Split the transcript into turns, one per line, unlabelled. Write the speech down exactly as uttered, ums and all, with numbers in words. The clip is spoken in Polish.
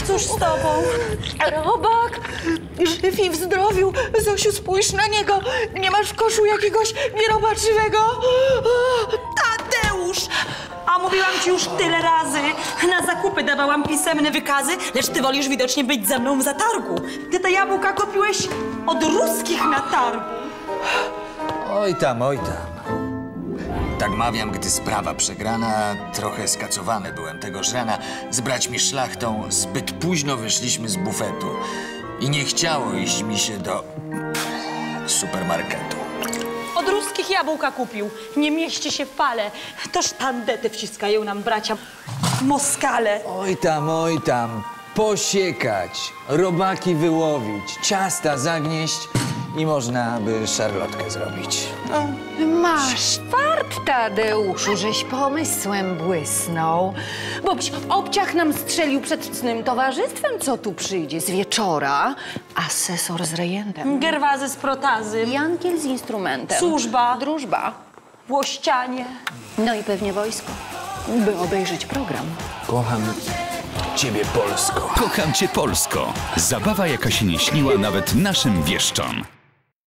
Cóż z tobą?
Robak, żyw i w zdrowiu. Zosiu, spójrz na niego. Nie masz w koszu jakiegoś nierobaczywego?
Tadeusz! A mówiłam ci już tyle razy. Na zakupy dawałam pisemne wykazy, lecz ty wolisz widocznie być ze mną w zatargu. Ty te jabłka kupiłeś od ruskich na targu.
Oj tam, oj tam. Tak mawiam, gdy sprawa przegrana, trochę skacowany byłem tegoż rana. Z braćmi Szlachtą zbyt późno wyszliśmy z bufetu i nie chciało iść mi się do supermarketu.
Od ruskich jabłka kupił. Nie mieści się w pale. Toż tandety wciskają nam bracia Moskale.
Oj tam, oj tam. Posiekać, robaki wyłowić, ciasta zagnieść i można by szarlotkę zrobić.
No.
Masz fart, Tadeuszu, żeś pomysłem błysnął. Boś obciach nam strzelił przed cnym towarzystwem, co tu przyjdzie z wieczora. Asesor z rejentem.
Gerwazy z protazy.
Jankiel z instrumentem.
Służba.
Drużba.
Włościanie.
No i pewnie wojsko, by obejrzeć program.
Kocham ciebie, Polsko.
Kocham cię, Polsko. Zabawa, jaka się nie śniła nawet naszym wieszczom.